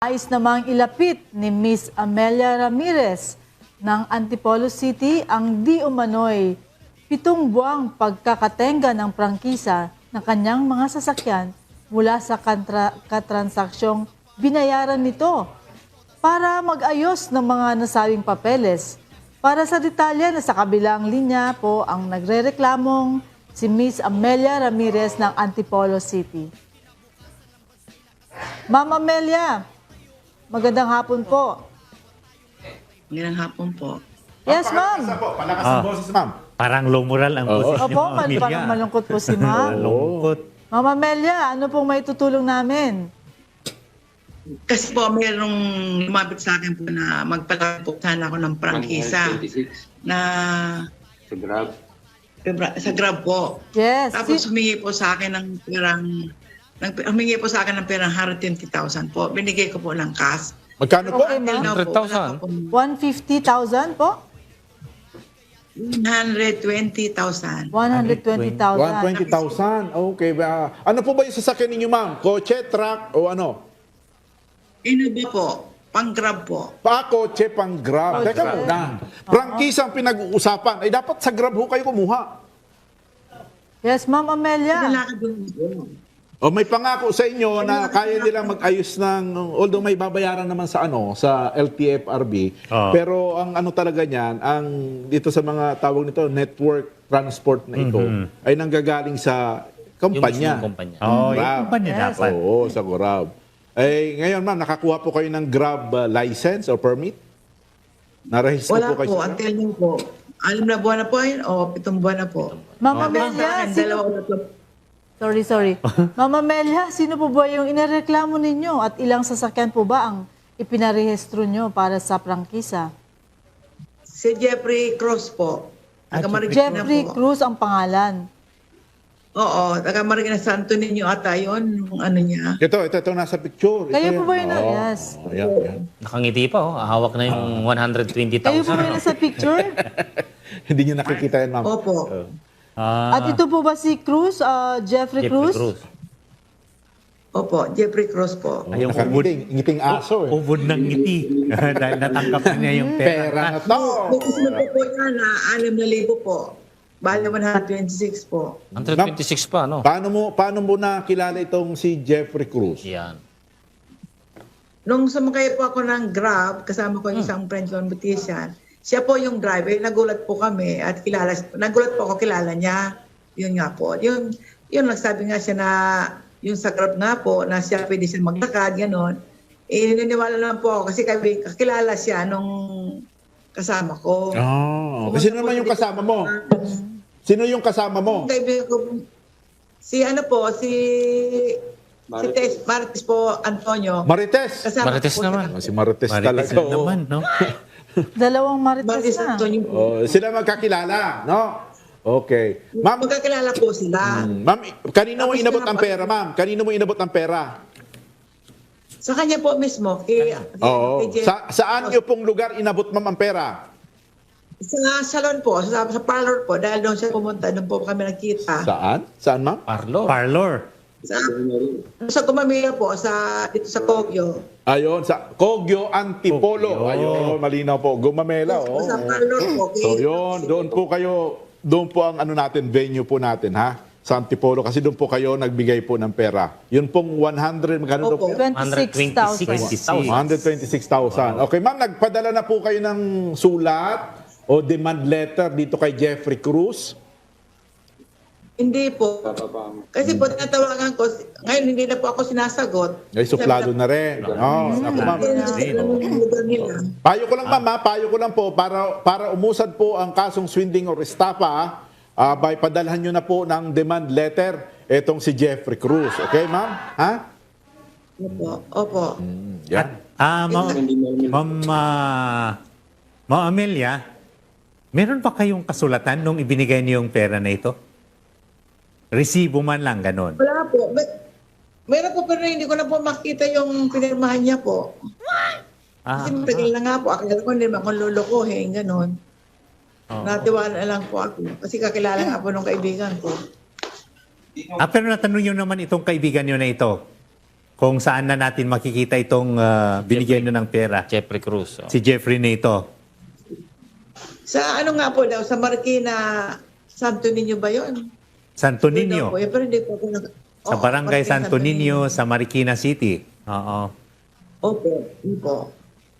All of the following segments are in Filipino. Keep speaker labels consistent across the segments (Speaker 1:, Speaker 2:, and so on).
Speaker 1: Nais namang ilapit ni Miss Amelia Ramirez ng Antipolo City ang di umano'y 7 buwang pagkakatenga ng prangkisa ng kanyang mga sasakyan mula sa katransaksiyong binayaran nito para mag-ayos ng mga nasabing papeles. Para sa detalye, nasa kabilang linya po ang nagrereklamong si Miss Amelia Ramirez ng Antipolo City. Ma'am Amelia, magandang hapon po.
Speaker 2: Magandang hapon po.
Speaker 1: Yes, ma'am.
Speaker 3: Palakas ang boses, ma'am.
Speaker 4: Parang low moral ang boses niyo,
Speaker 1: Opo,
Speaker 4: Ma'am Amelia.
Speaker 1: parang malungkot po si ma'am.
Speaker 4: Malungkot.
Speaker 1: Ma'am Amelia, ano pong may tutulong namin?
Speaker 2: Kasi po mayroong lumapit sa akin po na magpalaki po sana ako ng prangkisa
Speaker 5: 126
Speaker 2: na
Speaker 5: sa Grab.
Speaker 2: sa Grab po.
Speaker 1: Yes.
Speaker 2: Tapos humingi po sa akin ng humingi po sa akin ng perang 120,000 po. Binigay ko po ng cash.
Speaker 3: Magkano po?
Speaker 1: Okay, ma'am.
Speaker 2: Now po, wala pa po.
Speaker 1: 150,000 po?
Speaker 2: 120,000.
Speaker 1: 120,000.
Speaker 3: 120,000. Okay. Ano po ba yung sasakyan ninyo, ma'am? Kotse, truck, o ano?
Speaker 2: Inubi po. Pang Grab po.
Speaker 3: Kotse, pang Grab. Teka muna. Prangkisa ang pinag-uusapan. Ay, dapat sa Grab ho kayo kumuha.
Speaker 1: Yes, Ma'am Amelia.
Speaker 2: Lalaki doon po.
Speaker 3: O may pangako sa inyo na kaya nilang mag-ayos ng, although may babayaran naman sa sa LTFRB, pero ang ano talaga niyan, ang dito sa mga tawag nito, network transport na ito, ay nanggagaling sa kumpanya.
Speaker 4: Yung kumpanya. Oh, yung
Speaker 3: Grab.
Speaker 4: kumpanya
Speaker 1: Yes.
Speaker 4: dapat.
Speaker 3: Oo, sa Grab. Eh, ngayon ma'am, nakakuha po kayo ng Grab license or permit? Narehistro
Speaker 2: Wala
Speaker 3: po kayo
Speaker 2: po.
Speaker 3: sa Grab?
Speaker 2: Until yun po. 6 na buwan na po yun o 7 buwan na po.
Speaker 1: Ma'am
Speaker 2: Sa
Speaker 1: Amelia,
Speaker 2: akin, dalawa na po.
Speaker 1: sorry. Ma'am Amelia, sino po ba yung inireklamo ninyo at ilang sasakyan po ba ang ipinarehistro nyo para sa prangkisa?
Speaker 2: Si Jeffrey Cruz po. Taga Marikina
Speaker 1: Jeffrey
Speaker 2: po.
Speaker 1: Cruz ang pangalan.
Speaker 2: Oo, taga Marikina Santo Niño ata yun, yung ano niya.
Speaker 3: Ito nasa picture. Ito
Speaker 1: Kayo po
Speaker 3: yan.
Speaker 1: ba yun?
Speaker 3: Oo.
Speaker 1: Yes.
Speaker 3: Ayan.
Speaker 4: Nakangiti pa, oh. Hawak na yung 120,000.
Speaker 1: Kayo po ba yun sa picture?
Speaker 3: Hindi nyo nakikita yan, ma'am.
Speaker 2: Opo.
Speaker 1: At ito po ba si Cruz, Jeffrey Cruz?
Speaker 2: Opo, Jeffrey Cruz po.
Speaker 4: Ayun, ubod,
Speaker 3: Ngiting aso eh.
Speaker 4: ubod ng ngiti. Dahil natanggap na niya yung
Speaker 3: Pera
Speaker 4: pera.
Speaker 3: na to.
Speaker 2: May kasama po yan na 6,000 po. Bale 126 po.
Speaker 4: 126 pa, no?
Speaker 3: Paano mo nakilala itong si Jeffrey Cruz?
Speaker 4: Yan.
Speaker 2: Nung sumakay po ako ng Grab, kasama ko yung isang French competition, siya po yung driver, nagulat po kami at nagulat po ako, kilala niya. Yun nga po. Yun nagsabi nga siya na yung sa Grab nga po, na siya pwede siya maglakad, gano'n. Eh, niniwala lang po ako kasi kakilala siya nung kasama ko.
Speaker 3: Oh, sino naman yung kasama mo? Sino yung kasama mo?
Speaker 2: Kaibigan ko, si Tess Martes po, Antonio.
Speaker 3: Marites.
Speaker 2: Kasama
Speaker 4: Marites
Speaker 2: ko po
Speaker 4: naman.
Speaker 3: Si Marites talaga.
Speaker 4: Marites na
Speaker 3: oo.
Speaker 4: naman, no?
Speaker 1: Dalawang
Speaker 2: Martes
Speaker 1: marites na.
Speaker 2: Antonio.
Speaker 3: Oh, sila magkakilala, no? Okay. Ma'am,
Speaker 2: Magkakilala po sila.
Speaker 3: ma'am, kanino mo
Speaker 2: Tapos
Speaker 3: inabot
Speaker 2: kaya
Speaker 3: ang
Speaker 2: pa-
Speaker 3: pera, ma'am? Kanino mo inabot ang pera?
Speaker 2: Sa kanya po mismo. Kay
Speaker 3: Oo.
Speaker 2: Jeff.
Speaker 3: Saan niyo pong lugar inabot, ma'am, ang pera?
Speaker 2: Sa salon po, sa parlor po. Dahil doon siya pumunta, doon po kami nagkita.
Speaker 3: Saan? Saan, ma'am?
Speaker 4: Parlor.
Speaker 2: Sa Gumamila po, dito sa Kogyo.
Speaker 3: Ayun, sa Kogyo Antipolo.
Speaker 4: Kogyo.
Speaker 3: Ayun, malinaw po. Gumamela, oh.
Speaker 2: Sa parlor po.
Speaker 3: So yun, doon po ang ano natin, venue po natin, ha? Sa Antipolo, kasi doon po kayo nagbigay po ng pera. Yun pong 100, magkano daw po?
Speaker 2: Opo.
Speaker 1: 26,000.
Speaker 4: 126,000.
Speaker 3: 126,000. Okay, ma'am, nagpadala na po kayo ng sulat o demand letter dito kay Jeffrey Cruz?
Speaker 2: Hindi po. Kasi po, tinatawagan ko. Ngayon, hindi na po ako sinasagot.
Speaker 3: Ay, suplado na rin. Oh, ako, ma'am. Payo ko lang, ma'am, ha? Payo ko lang po para umusad po ang kasong swindling or estafa, by padalhan nyo na po ng demand letter etong si Jeffrey Cruz. Okay, ma'am? Ha?
Speaker 2: Opo.
Speaker 3: Yan.
Speaker 4: Ma'am Amelia, meron ba kayong kasulatan nung ibinigay niyo yung pera na ito? Resibo man lang, ganon.
Speaker 2: Wala po. Meron po pero hindi ko na po makita yung pinirmahan niya po. Kasi matagal na nga po. Akala ko hindi naman akong lulukuhin, gano'n. Natiwala lang po ako. Kasi kakilala nga po nung kaibigan ko.
Speaker 4: Pero natanong niyo naman itong kaibigan niyo na ito, kung saan na natin makikita itong binigyan nyo ng pera.
Speaker 5: Jeffrey Cruz.
Speaker 4: Si Jeffrey na ito.
Speaker 2: Sa ano nga po daw, sa Marikina, Santo Niño ba yun?
Speaker 4: Santo
Speaker 2: Doon daw
Speaker 4: Niño.
Speaker 2: po, pero hindi po ako
Speaker 4: Sa
Speaker 2: Oo,
Speaker 4: Barangay
Speaker 2: Marikina,
Speaker 4: Santo Niño, sa Marikina City. Oo.
Speaker 2: Opo, opo.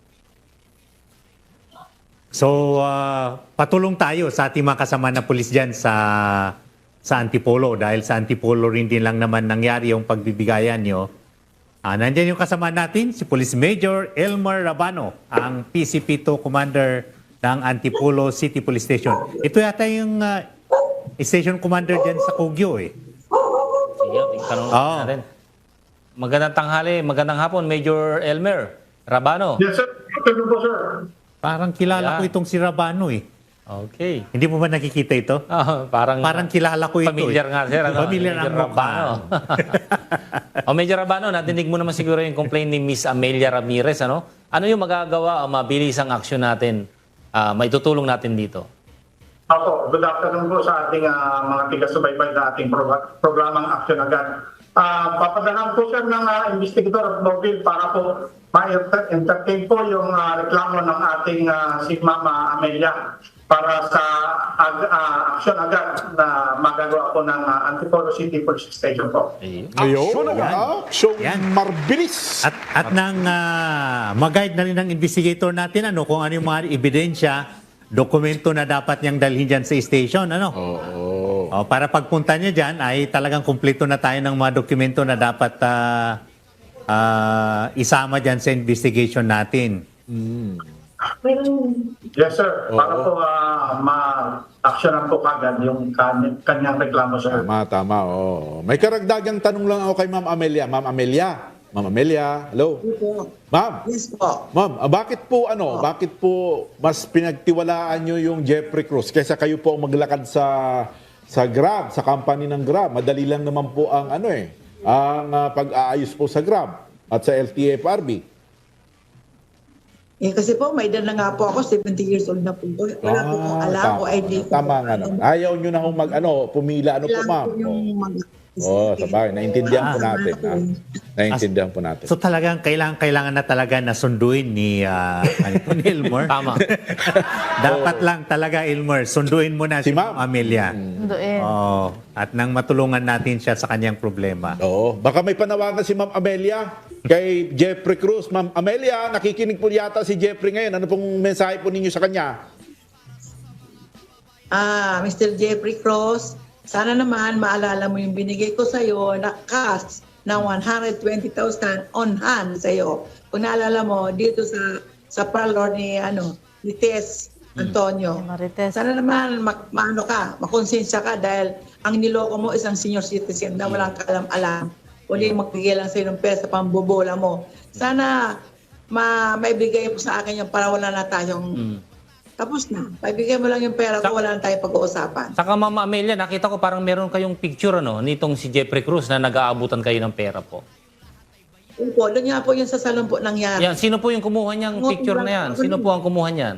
Speaker 4: So, patulong tayo sa ating mga kasama na pulis dyan sa Antipolo. Dahil sa Antipolo rin din lang naman nangyari yung pagbibigayan nyo. Nandyan yung kasama natin, si Police Major Elmer Rabano, ang PCP2 Commander ng Antipolo City Police Station. Ito yata yung station commander dyan sa Kogyo eh.
Speaker 5: Sige, itanong
Speaker 4: Oo.
Speaker 5: natin. Magandang tanghali, magandang hapon, Major Elmer Rabano.
Speaker 6: Yes, sir. Afternoon po, sir.
Speaker 4: Parang kilala ko
Speaker 5: Yeah.
Speaker 4: itong si Rabano eh.
Speaker 5: Okay.
Speaker 4: Hindi mo ba nakikita ito?
Speaker 5: Parang
Speaker 4: Kilala ko ito.
Speaker 5: familiar nga, sir. Ano?
Speaker 4: Familiar ang
Speaker 5: Major
Speaker 4: mukha.
Speaker 5: Rabano. Major Rabano, natinig mo naman siguro yung complaint ni Miss Amelia Ramirez. Ano yung magagawa o mabilis ang aksyon natin, maitutulong natin dito?
Speaker 6: Ako, good afternoon po sa ating mga tiga-subaybay na ating programang Action Agad. Papadahan po sir ng investigator of mobile para po ma-entertain po yung reklamo ng ating si Mama Amelia para sa action agad na magagawa po ng Antipolo City Police Station po.
Speaker 3: Ayun, action
Speaker 4: Yan.
Speaker 3: marbilis.
Speaker 4: At nang mag-guide na rin ng investigator natin kung ano yung mga ebidensya, dokumento na dapat niyang dalhin dyan sa station. Para pagpunta niya dyan ay talagang kumpleto na tayo ng mga dokumento na dapat isama dyan sa investigation natin.
Speaker 6: Yes sir, para po ma-actionan po kagad yung kanyang reklamo sir.
Speaker 3: Tama. May karagdagang tanong lang ako kay Ma'am Amelia. Ma'am Amelia, hello.
Speaker 2: Opo.
Speaker 3: Ma'am,
Speaker 2: Yes po.
Speaker 3: Ma'am, bakit po mas pinagtiwalaan nyo yung Jeffrey Cruz kaysa kayo po ang maglakad sa Grab, sa company ng Grab? Madali lang naman po ang ang pag-aayos po sa Grab at sa LTFRB.
Speaker 2: Kasi po, may edad na nga po ako, 70 years old na po. Wala po akong alam o idea.
Speaker 3: Tama nga naman. Ayaw nyo na kung pumila po ma'am. Sabay, naintindihan po natin. Naintindihan po natin.
Speaker 4: So talagang kailangan na talaga na sunduin ni Elmer.
Speaker 5: Tama.
Speaker 4: Dapat lang talaga, Elmer, sunduin mo na si
Speaker 3: Si Ma'am.
Speaker 4: Ma'am Amelia.
Speaker 1: Sunduin.
Speaker 4: At nang matulungan natin siya sa kanyang problema.
Speaker 3: Baka may panawagan si Ma'am Amelia kay Jeffrey Cruz. Ma'am Amelia, nakikinig po yata si Jeffrey ngayon. Ano pong mensahe po ninyo sa kanya?
Speaker 2: Mr. Jeffrey Cruz, sana naman maalala mo yung binigay ko sa'yo na cash na 120,000 on hand sa'yo. Kung naalala mo, dito sa parlor ni Tess Antonio.
Speaker 1: Marites.
Speaker 2: Sana naman makonsensya ka dahil ang niloko mo isang senior citizen na walang kaalam-alam. Kundi magbigay lang sa'yo ng pera sa pambobola mo. Sana maibigay mo sa akin yung para wala na tayong tapos na. Paibigay mo lang yung pera ko, wala na tayong pag-uusapan.
Speaker 5: Saka Mama Amelia, nakita ko parang meron kayong picture nitong si Jeffrey Cruz na nag-aabutan kayo ng pera po.
Speaker 2: Opo, doon nga po yung sa salon po nangyari.
Speaker 5: Yan, sino po yung kumuha niyang picture na yan? Sino po ang kumuha niyan?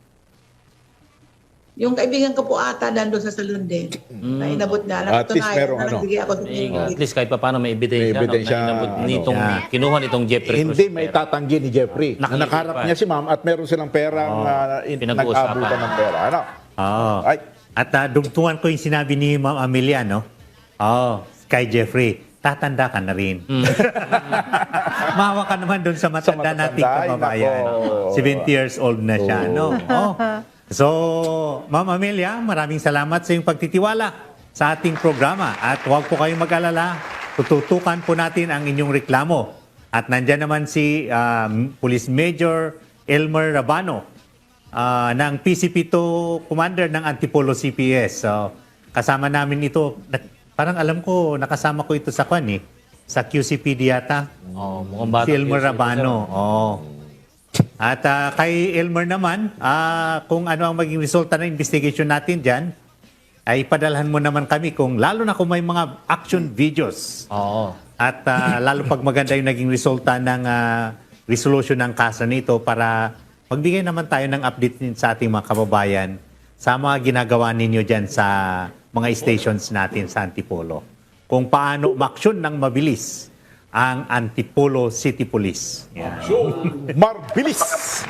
Speaker 2: Yung kaibigan ko po ata nandun sa salon din. Na inabot na.
Speaker 3: At least merong
Speaker 2: nagbigay ako sa
Speaker 5: At least kahit pa paano may ebidensya.
Speaker 3: May ebidensya,
Speaker 5: na kinuha nitong Jeffrey Cruz.
Speaker 3: Hindi may tatanggi ni Jeffrey.
Speaker 5: Nakikita
Speaker 3: Nakaharap
Speaker 5: pa.
Speaker 3: niya si Ma'am at meron silang perang
Speaker 5: Pinag-uusapan.
Speaker 3: nag-abutan ng pera. Ay.
Speaker 4: At dugtungan ko yung sinabi ni Ma'am Amelia, kay Jeffrey, tatanda ka na rin. Mahawa ka naman doon sa matanda nating kababayan.
Speaker 3: nako.
Speaker 4: 70 years old na siya, So, Ma'am Amelia, maraming salamat sa iyong pagtitiwala sa ating programa. At huwag po kayong mag-alala, tututukan po natin ang inyong reklamo. At nandyan naman si Police Major Elmer Rabano ng PCP2 Commander ng Antipolo CPS. So, kasama namin ito. Parang alam ko, nakasama ko ito sa sa QCPD yata.
Speaker 5: Mukhang bata.
Speaker 4: Si Elmer Rabano. At kay Elmer naman, kung ano ang maging resulta ng investigation natin dyan, ay padalhan mo naman kami lalo na kung may mga action videos. At lalo pag maganda yung naging resulta ng resolution ng kaso nito para magbigay naman tayo ng update din sa ating mga kababayan sa mga ginagawa ninyo dyan sa mga stations natin sa Antipolo. Kung paano umaksyon ng mabilis ang Antipolo City Police. Yan.
Speaker 3: Marbilis!